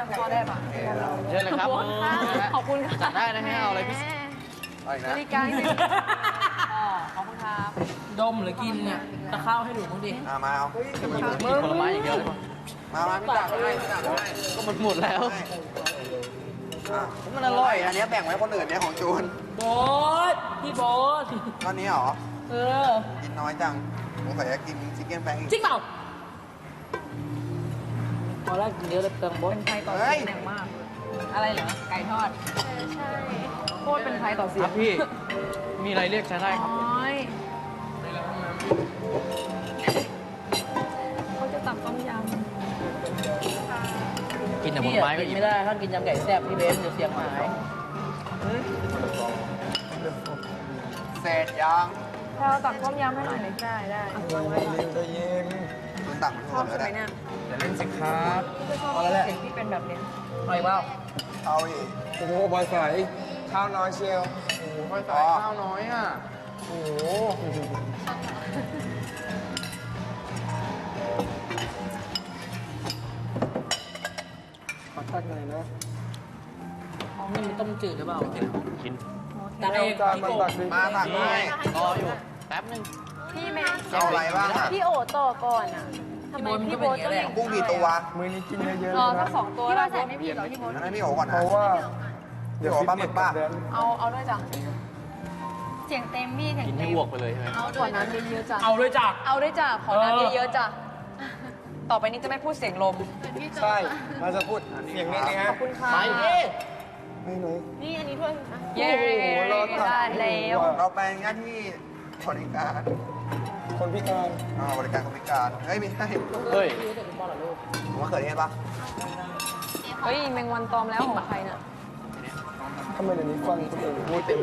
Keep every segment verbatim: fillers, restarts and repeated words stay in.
ำพอได้ปะเชิญเลยครับขอบคุณค่ะจัดได้นะฮะเอาอะไรพิเศษอะไรนะบริการสิอ๋อขอบคุณครับดมหรือกินเนี่ยตะข้าวให้หนูบ้างดิอ่ามาเอากินผลไม้อย่างเดียวเลยป่ะมามาพี่ตักให้พี่ตักให้ก็มันหมดแล้วอ่ะมันอร่อยอัอ่ะนนี้แบ่งไว้คนอื่นเนี่ยของจูนโบ๊ทพี่โบ๊ทก้อนนี้เหรอเออกินน้อยจังสงสัยจะกินชิคเก้นแบงค์อีกจริงเปล่าพอแล้วกินเยอะเลยเติมโบ๊ทเป็นไทยต่อเสียงแรงมาก อะไรเหรอ ไก่ทอด ใช่โคตรเป็นไทยต่อเสีคยรังบพี่ มีอะไรเรียกใช้ได้ครับน้อยเขาจะตักต้มยกินแต่ผพี่ลไม้อะก็กินอิ่มไม่ได้ถ้ากินยำไก่แซ่บพี่เบนเดี๋ยวเสียงหายเสร็จยังำแพลวตักต้มยำให้หน่อยหน่อยได้ได้จูนตักมันชหอมบดแล้วใช่ไหมได้เนี่ยอย่าเล่นสิครับพี่ก็ชอบเสียงที่เป็นแบบเนี้ยเอาอีกเปล่าเอาอีกโอ้โหบอยใสข้าวน้อยเชียวโอ้โหค่อยใส่ข้าวน้อยอ่ะโอ้โหขอตักหน่อยนะนี่มันต้มจืดหรือเปล่ากินตักเองจานพี่มันโบ๊ตัทกดิมาตักให้รออยู่ แป๊บนึงพี่แม่เอาอะไรบ้างอ่ะพี่โอต่อก่อนอ่ะทำไมพี่โบ๊ทต้องอย่างกุ้งกี่ตัวมือนี้กินเยอะๆรอเลยสันะกสองตัวแล้วใส่ไม่ผิดหรอพี่โบ๊ทงั้นให้พี่โอก่อนเพนะราะว่าเดี๋ยวปลาหมึกป่ะแดนเอาเอาด้วยจ้ะเสียงเต็มพี่เสียงกินเต็ให้มอ้วกไปเลยใช่ไหมเอาขอน้ำเยอะๆจ้ะเอาด้วยจ้ะเอาด้วยจ้ะขอน้ำเออเยอะๆจ้ะต่อไปนี้จะไม่พูดเสียงลมใช่ เราจะพูดเสียงนี้นะฮะขอบคุณค่ะไปดิไม่ไหนนี่อันนี้ถ้วยเย้โอ้โหรอตักได้แล้วเราไปหน้าที่บริการคนพิการอ่าบริการคนพิการ เฮ้ยไม่ใช่เฮ้ยผมว่าเกิดเหตุปะเฮ้ยแมงวันตอมแล้วของใครน่ะทำไมเดี๋ยวนี้ฟังคนอื่นพูดเต็ม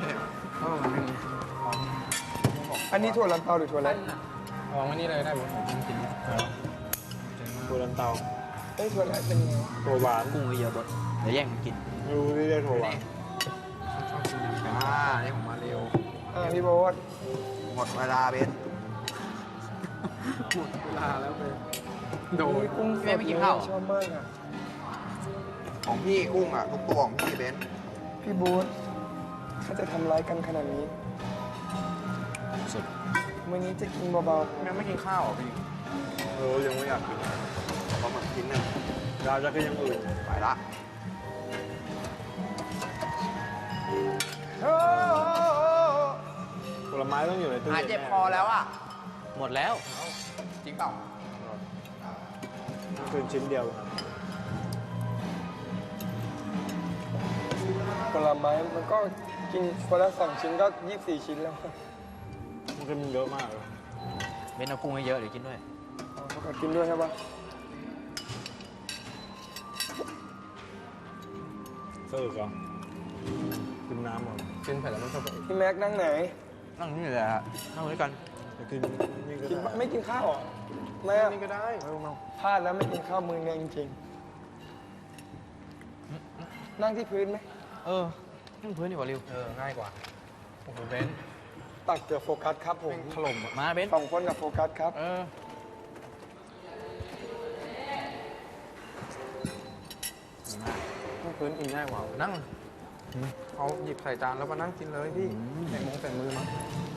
อันนี้ถั่วลันเตาหรือถั่วอะไรวางไว้นี่เลยได้ผมจริงๆตัวลันเตาเอ้ยถั่วอะไรเป็นยังไงตัวหวานกุ้งเยอะๆบดเดี๋ยวแย่งกันกินไม่รู้เรียกตัวหวานอ่านี่ผมมาเร็วอ่าพี่โบ๊ทหมดเวลาเบนหมดเวลาแล้วไปโดนมีกุ้งสพี่ดเบนไม่กินข้าวชอบมากอ่ะของพี่กุ้งอ่ะทุกตัวของพี่เบนพี่โบ๊ทถ้าจะทำร้ายกันขนาดนี้สุดมื้อนี้จะกินเบายังไม่กินข้าวอ่ะพี่เออยังไม่อยากกินปลาหมึกชิ้นหนึ่งดาวจะก็ยังอื่นไปละผลไม้ต้องอยู่ในตู้หายเย็นเจ็บคอแล้วอ่ะหมดแล้วจริงเปล่าคืนชิ้นเดียวๆผลไม้มันก็กินคนละสองชิ้นก็ยี่สิบสี่ชิ้นแล้วมันก็มีเยอะมากเลยเบนเอากุ้งเยอะๆเดี๋ยวกินด้วยอ๋อเขาก็กินด้วยใช่ปะเสิร์ฟเหรอกินน้ำหมดกินเผ็ดแล้วมันชอบพี่แม็กนั่งไหนนั่งนี่แหละนั่งด้วยกันจะกินนี่ก็กินได้ไม่กินข้าวเหรอไม่อะนี่ก็ได้ไม่ต้องพลาดแล้วไม่กินข้าวมือเนี่ยจริงๆนั่งที่พื้นไหมเออนั่งพื้นดีกว่าริวเออง่ายกว่าโอ้โหเบนตักเกือบโฟกัสครับผมถล่มอ่ะมาเบนสองคนกับโฟกัสครับเออนั่งพื้นกินง่ายกว่านั่งเอาหยิบใส่จานแล้วมานั่งกินเลยพี่ใส่มงใส่มือมา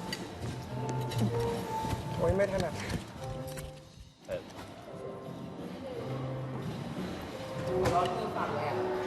โอ้ยไม่ถนัดร้อนคือปากแหลก